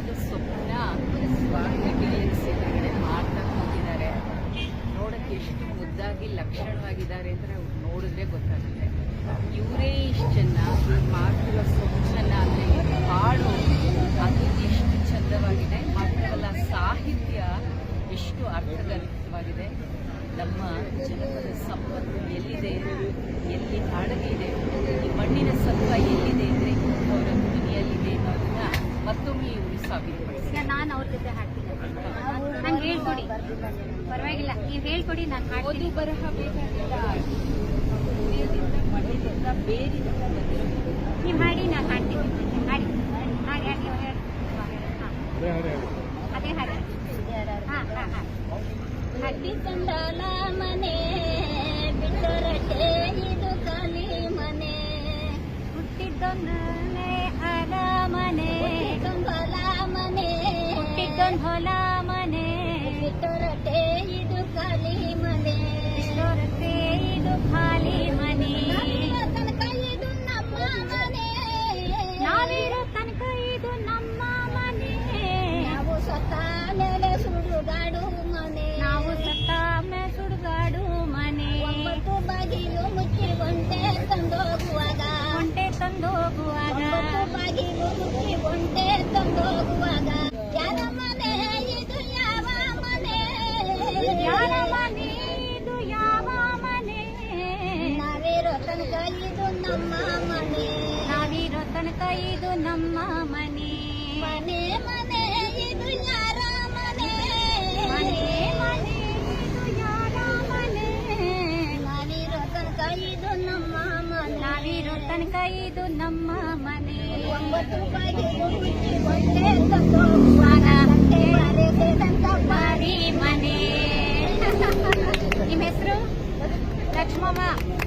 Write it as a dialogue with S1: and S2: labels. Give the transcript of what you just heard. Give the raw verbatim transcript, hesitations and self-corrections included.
S1: ಜನಪದ ಸ್ವಪ್ನ ಸ್ವಾಮಿ ಗೆಳೆಯರಿಸಿ ಎದುರುಗಡೆ ಮಾಡ್ತಾ ಕೂತಿದ್ದಾರೆ. ನೋಡಕ್ಕೆ ಎಷ್ಟು ಮುದ್ದಾಗಿ ಲಕ್ಷಣವಾಗಿದ್ದಾರೆ ಅಂತ ನಾವು ನೋಡಿದ್ರೆ ಗೊತ್ತಾಗುತ್ತೆ. ಇವರೇ ಇಷ್ಟು ಚೆನ್ನಾಗಿ ಮಾಡ್ತಿರೋ ಸೊಗಸನ್ನ ಅಂದರೆ ಹಾಡು ಅದು ಎಷ್ಟು ಚಂದವಾಗಿದೆ, ಮಾತ್ರವಲ್ಲ ಸಾಹಿತ್ಯ ಎಷ್ಟು ಅರ್ಥಗರ್ಭಿತವಾಗಿದೆ. ನಮ್ಮ ಜನಪದ ಸಂಪತ್ತು ಎಲ್ಲಿದೆ, ಎಲ್ಲಿ ಅಡಗಿದೆ, ಈ ಮಣ್ಣಿನ ಸತ್ವ ಎಲ್ಲಿದೆ ಅಂದರೆ ಅವರ ಧ್ವನಿಯಲ್ಲಿದೆ ಅನ್ನೋದನ್ನ ಮತ್ತೊಮ್ಮೆ ಇವರು ಸಾಬೀತುಪಡಿಸಿದೆ.
S2: ನಾನು ಅವ್ರ ಜೊತೆ ಹಾಡ್ತೀನಿ, ನಂಗೆ ಹೇಳ್ಕೊಡಿ, ಪರವಾಗಿಲ್ಲ ನೀವು ಹೇಳ್ಕೊಡಿ, ನಾನು
S1: ಓದು ಬರಹ ಬೇಕಾಗಿಲ್ಲ, ಹೃದಯದಿಂದ ಮಣ್ಣಿನಿಂದ ಬೇರಿಂದ ಬಂದಿರೋದು.
S2: ನೀವು ಹಾಡಿ, ನಾನು ಹಾಡ್ತೀನಿ, ಹಾಡಿ ಹಾಡಿ ಹಾಡಿ ಹೇಳಿ. ಅದೇ ಹಾಡಿ. ಹಾಂ ಹಾಂ ಹಾಂ ಹಟ್ಟಿ ಕಂಡಾಲ ಮನೆ ಬಿಟ್ಟರಟೆ ಇದು ಖಾಲಿ ಮನೆ, ಹುಟ್ಟಿದ್ದೊಂದನೇ ಅರಮನೆ, ಹೊಲ ಮನೆ ಹುಟ್ಟಿದ್ದೊಂದು ಹೊಲ ಮನೆ, ಬಿಟ್ಟರಟೆ ಇದು ಖಾಲಿ ಮನೆ, ಬಿಟ್ಟರಟೆ ಇದು ಖಾಲಿ ಮನೆ, ತನಕ ಇದು ನಮ್ಮ ಮನೆ, ನಾವಿರೋ ತನಕ ಇದು ನಮ್ಮ ಮನೆ, ನಾವು ಸತ್ತ ಮೇಲೆ ಸುಡುಗಾಡು ಮನೆ, ನಾವು ಸತ್ತ ಮೇಲೆ ಸುಡುಗಾಡು ಮನೆ, ಒಂಬತ್ತು ಬಾಗಿಲು ಮುಚ್ಚಿ ಒಂಟೆ ತಂದೋಗುವಾಗ, ಒಂಟೆ ತಂದೋಗುವಾಗ, ಬಾಗಿಲು ಮುಚ್ಚಿ ಒಂಟೆ ತಂದೋಗುವಾಗ, ಯಾರ ಮನೆ ಇದು ಯಾವ ಮನೆ, ಯಾರ ಮನೆ ಇದು ಯಾವ ಮನೆ, ನಾವಿರೋ ತನಕ ಇದು ನಮ್ಮ ಮನೆ, ನಾವಿರೋ ತನಕ ಇದು ನಮ್ಮ ಮನೆ, ಮನೆ ಮನೆ ಇದು ಯಾರ ಮನೆ, ಮನೆ ಮನೆ ಇದು ಯಾರ ಮನೆ, ನಾವಿರೋ ತನಕ ಇದು ನಮ್ಮ ಮನೆ, ನಾವಿರೋ ತನಕ ಇದು ನಮ್ಮ ಮನೆ, ಒಂಬತ್ತು ಬಾಗಿಲು ಮುಚ್ಚಿ ಒಂಟೆ ತಂದೋಗುವಾಗ, ಬಾರಿ ಮನೆ. ನಿಮ್ಮ ಹೆಸರು? ಲಕ್ಷ್ಮಮ್ಮ.